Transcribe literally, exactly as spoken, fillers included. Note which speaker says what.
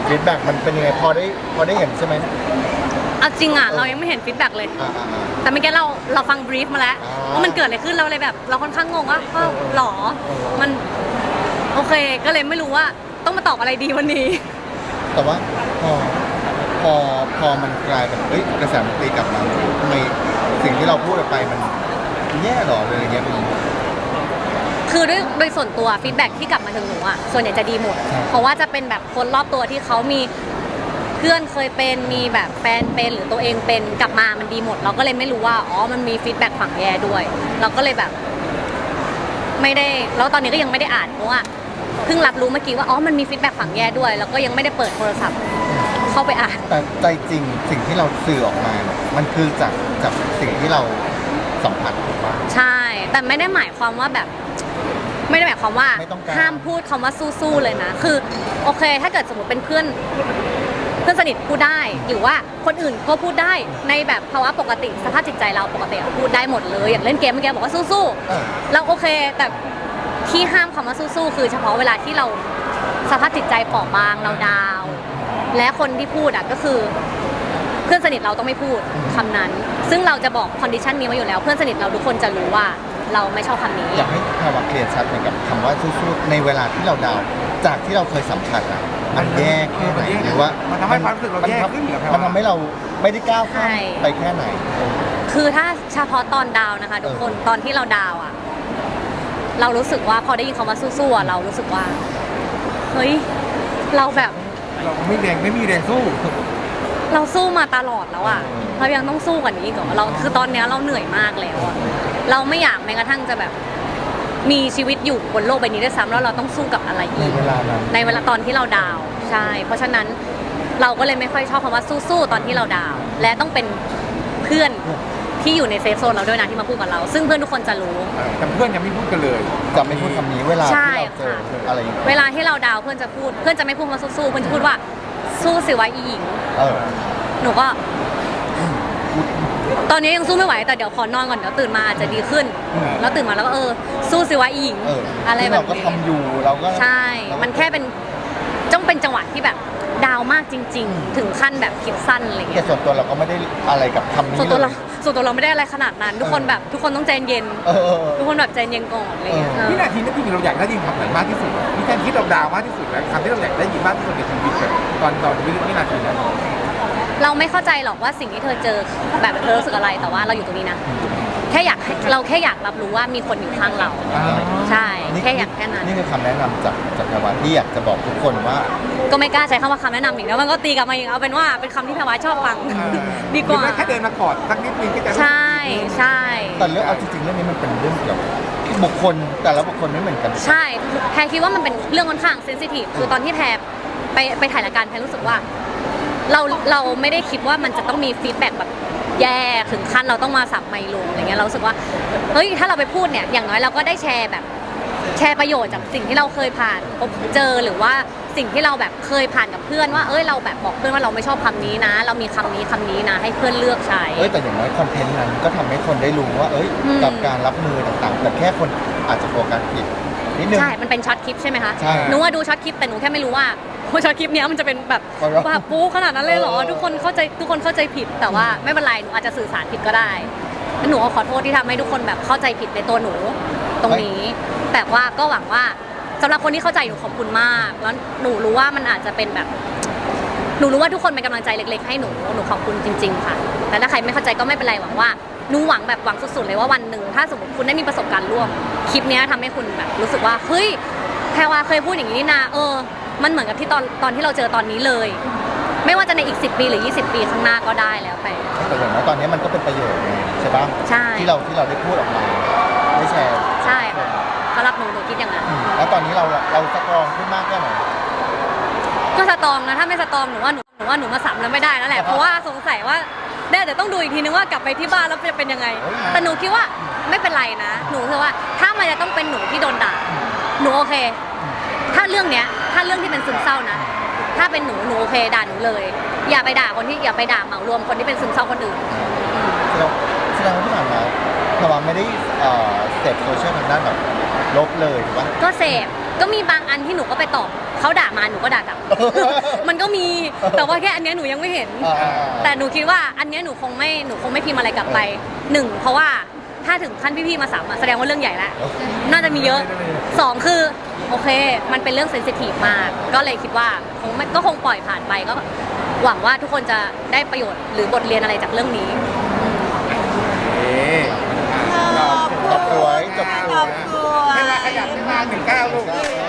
Speaker 1: ฟีดแบ็กมันเป็นยังไงพอได้พอได้เห็นใช่ไหม
Speaker 2: เอาจริงอ่ะเรายังไม่เห็นฟีดแบ็กเลยแต่เมื่อกี้เราเราฟังบรีฟมาแล้วว่ามันเกิดอะไรขึ้นเราเลยแบบเราค่อนข้างงงว่าก็หรอมันโอเคก็เลยไม่รู้ว่าต้องมาตอบอะไรดีวันนี้
Speaker 1: แต่ว่าพอพอพอมันกลายเป็นเอ้ยกระแสมันตีกลับมาทำไมสิ่งที่เราพูดออกไปมันแย่หรอเลยอย่างเงี้ยมัน
Speaker 2: คือด้วยโดยส่วนตัวฟีดแบ็กที่กลับมาถึงหนูอ่ะส่วนใหญ่จะดีหมดเพราะว่าจะเป็นแบบคนรอบตัวที่เขามีเพื่อนเคยเป็นมีแบบแฟนเป็นหรือตัวเองเป็นกลับมามันดีหมดเราก็เลยไม่รู้ว่าอ๋อมันมีฟีดแบ็กฝั่งแย่ด้วยเราก็เลยแบบไม่ได้แล้วตอนนี้ก็ยังไม่ได้อ่านเพราะว่าเพิ่งรับรู้เมื่อกี้ว่าอ๋อมันมีฟีดแบ็กฝั่งแย่ด้วยแล้วก็ยังไม่ได้เปิดโทรศัพท์เข้าไปอ่าน
Speaker 1: แต่ใจจริงสิ่งที่เราสื่อออกมามันคือจากจากสิ่งที่เราสัมผัสถูกปะ
Speaker 2: ใช่แต่ไม่ได้หมายความว่าแบบไม่ได้หมายความว่าห้ามพูดคำว่าสู้ๆเลยนะคือโอเคถ้าเกิดสมมติเป็นเพื่อนเพื่อนสนิทพูดได้หรือว่าคนอื่นก็พูดได้ในแบบภาวะปกติสภาพจิตใจเราปกติพูดได้หมดเลยอย่างเล่นเกมเมื่อกี้บอกว่าสู้ๆเราโอเคแต่ที่ห้ามคำว่าสู้ๆคือเฉพาะเวลาที่เราสภาพจิตใจเปราะบางเราดาวและคนที่พูดอ่ะก็คือเพื่อนสนิทเราต้องไม่พูดคำนั้นซึ่งเราจะบอกคอนดิชันนี้มาอยู่แล้วเพื่อนสนิทเราทุกคนจะรู้ว่าเราไม่ชอบคำนี้
Speaker 1: อยากให้ภาวะเคลียร์ชัดเหมือนกับคำว่าสู้ๆในเวลาที่เราดาวจากที่เราเคยสัมผัสอ่ะมันแย่แค่ไหนหรือว่า
Speaker 3: มันทำให้ความรู้สึกเราแย่ขึ้นหรือ
Speaker 1: มันทำให้เราไม่ได้ก้าวข้ามไปแค่ไหน
Speaker 2: คือถ้าเฉพาะตอนดาวนะคะทุกคนตอนที่เราดาวอ่ะเรารู้สึกว่าพอได้ยินคำว่าสู้ๆเรารู้สึกว่าเฮ้ยเราแบบ
Speaker 3: เราไม่แรงไม่มีแรงสู้
Speaker 2: เราสู้มาตลอดแล้วอ่ะเรายังต้องสู้กว่านี้อีกเหรอเราคือตอนนี้เราเหนื่อยมากแล้วอ่ะเราไม่อยากแม้กระทั่งจะแบบมีชีวิตอยู่บนโลกใบนี้ด้วยซ้ำแล้วเราต้องสู้กับอะไรอีก
Speaker 1: ในเวลานั้น
Speaker 2: ในเวลาตอนที่เราดาวใช่เพราะฉะนั้นเราก็เลยไม่ค่อยชอบคำว่าสู้ๆตอนที่เราดาวและต้องเป็นเพื่อนที่อยู่ในเซฟโซนเราด้วยนะที่มาพูดกับเราซึ่งเพื่อนทุกคนจะรู้
Speaker 3: แต่เพื่อนยังไม่พูดกันเลย
Speaker 1: จะไม่พูดคำนี้เวลาที่เราเจออะไรอย่างเงี้ย
Speaker 2: เวลาที่เราดาวเพื่อนจะพูดเพื่อนจะไม่พูดว่าสู้ๆเพื่อนจะพูดว่าสู้สิวะอีหญิงหนูก็ตอนนี้ยังสู้ไม่ไหวแต่เดี๋ยวขอนอนก่อนเดี๋ยวตื่นมาอาจจะดีขึ้นแล้วตื่นมาแล้วก็เออสู้สิวะอีหญิงอะไรแบบนี้
Speaker 1: เราก็ทำอยู่เราก็
Speaker 2: ใช่มันแค่เป็นต้องเป็นจังหวะที่แบบดาวมากจริงๆถึงขั้นแบบคิดสั้นอะไรเงี้ย
Speaker 1: แต่ส่วนตัวเราก็ไม่ได้อะไรกับคำนี้
Speaker 2: ส่วนตัวเราส่วนตัวเราไม่ได้อะไรขนาดนั้นทุกคนแบบทุกคนต้องใจเย็นทุกคนแบบใจเย็นก่อนอะไรเงี้ย
Speaker 3: วินาทีนั้นจริงๆเราอยากได้ยินคำไหนมากที่สุดมีการคิดเราดาวมากที่สุดแล้วคำที่เราอยากได้ยินมากที่สุดในชีวิตแบบตอนตอนวินาทีนั้น
Speaker 2: เราไม่เข้าใจหรอกว่าสิ่งที่เธอเจอแบบเธอรู้สึกอะไรแต่ว่าเราอยู่ตรงนี้นะแค่อยากเราแค่อยากรับรู้ว่ามีคนอยู่ข้างเราใช่แค่อยากแค่นั้น
Speaker 1: นี่คือคำแนะนำจากจากแพรวาที่อยากจะบอกทุกคนว่า
Speaker 2: ก็ไม่กล้าใช้คำว่าคำแนะนำอีกแล้วมันก็ตีกลับมาอีกเอาเป็นว่าเป็นคำที่แพรวาชอบฟังดีกว่า
Speaker 3: แค่เดินมากอดสักนิดนึงก็จะ
Speaker 2: ใช่ใช่
Speaker 1: แต่เรื่องเอาจริงๆเรื่องนี้มันเป็นเรื่องเกี่ยวกับบุคคลแต่ละบุคคลไม่เหมือนกัน
Speaker 2: ใช่แพรคิดว่ามันเป็นเรื่องค่อนข้างเซนซิทีฟคือตอนที่แพรไปไปถ่ายรายการแพรรู้สึกว่าเราเราไม่ได้คิดว่ามันจะต้องมีฟีดแบ็กแบบแย่ถึงขั้นเราต้องมาสับไมค์ลงอะไรเงี้ยเรารู้สึกว่าเฮ้ยถ้าเราไปพูดเนี่ยอย่างน้อยเราก็ได้แชร์แบบแชร์ประโยชน์จากสิ่งที่เราเคยผ่านพบเจอหรือว่าสิ่งที่เราแบบเคยผ่านกับเพื่อนว่าเอ้ยเราแบบบอกเพื่อนว่าเราไม่ชอบคำนี้นะ เรามีคำนี้คำนี้นะให้เพื่อนเลือกใช้
Speaker 1: เอ้ยแต่อย่างน้อยคอนเทนต์นั้นก็ทำให้คนได้รู้ว่าเอ้ยกับการรับมือต่างๆแต่แค่คนอาจจะโฟกัสผิดนิดนึง
Speaker 2: ใช่มันเป็นช็อตคลิปใช่ไหมคะหนูว่าดูช็อตคลิปแต่หนูแค่ไม่รู้ว่าช็อตคลิปนี้มันจะเป็นแบบแบบปูขนาดนั้นเลยเหรอทุกคนเข้าใจทุกคนเข้าใจผิดแต่ว่าไม่เป็นไรหนูอาจจะสื่อสารผิดก็ได้หนูขอโทษที่ทำให้ทุกคนแบบเข้าใจผิดในตัวหนูตรงนี้แต่ว่าก็หวังว่าสำหรับคนที่เข้าใจหนูขอบคุณมากแล้วหนูรู้ว่ามันอาจจะเป็นแบบหนูรู้ว่าทุกคนเป็นกำลังใจเล็กๆให้หนูหนูขอบคุณจริงๆค่ะแต่ถ้าใครไม่เข้าใจก็ไม่เป็นไรหวังว่าหนูหวังแบบหวังสุดๆเลยว่าวันหนึ่งถ้าสมมติคุณได้มีประสบการณ์ร่วมคลิปนี้ทำให้คุณแบบรู้สึกว่าเฮ้ยแพรวาเคยพูดอย่างนี้นี่นาเออมันเหมือนกับที่ตอนตอนที่เราเจอตอนนี้เลยไม่ว่าจะในอีกสิบปีหรือยี่สิบปีข้างหน้าก็ได้แล้วไป
Speaker 1: แต่อย่างน้อยตอนนี้มันก็เป็นประโยชน์ใช่ปะ
Speaker 2: ใช่
Speaker 1: ที่เราที่เราได้พูดออกมาได้แชร์
Speaker 2: ใช่ค่ะสำหรับหนูหนูคิดอย่างนั้น
Speaker 1: แล้วตอนนี้เราเราสตรองขึ้นมากแค่ไหน
Speaker 2: ก็สตรองนะถ้าไม่สตรองหนูว่าหนูหนูว่าหนูมาสับแล้วไม่ได้แล้วแหละเพราะว่าสงสัยว่าได้เดี๋ยวต้องดูอีกทีนึงว่ากลับไปที่บ้านแล้วจะเป็นยังไงแต่หนูคิดว่าไม่เป็นไรนะหนูคือว่าถ้ามันจะต้องเป็นหนูที่โดนด่าหนูโอเคถ้าเรื่องเนี้ยถ้าเรื่องที่เป็นซึมเศร้านะถ้าเป็นหนูหนูโอเคด่าหนูเลยอย่าไปด่าคนที่อย่าไปด่าเหมารวมคนที่เป็นซึมเศร้าคนอื่น
Speaker 1: แสดงว่าที่ผ่านมาแพรวาไม่ได้เสพโซเชียลทางด้านแบบลบเลยถูกปะ
Speaker 2: ก็เสพก็มีบางอันที่หนูก็ไปตอบเขาด่ามาหนูก็ด่ากลับ มันก็มีแต่ว่าแค่อันเนี้ยหนูยังไม่เห็น
Speaker 1: อ่า
Speaker 2: แต่หนูคิดว่าอันเนี้ยหนูคงไม่หนูคงไม่พิมพ์อะไรกลับไปหนึ่งเพราะว่าถ้าถึงขั้นพี่ๆมาสามอะแสดงว่าเรื่องใหญ่แล้วน่าจะมีเยอะสองคือโอเคมันเป็นเรื่องเซนซิทีฟมากก็เลยคิดว่าคงไม่ก็คงปล่อยผ่านไปก็หวังว่าทุกคนจะได้ประโยชน์หรือบทเรียนอะไรจากเรื่องนี้
Speaker 3: เอ๊ะ
Speaker 1: จบสวยจบส
Speaker 4: ข
Speaker 1: ว
Speaker 4: อบ
Speaker 1: ย
Speaker 4: คุณ
Speaker 3: เวลาขยับขึ้นมาหนึ่งเก้าลูก
Speaker 1: เอ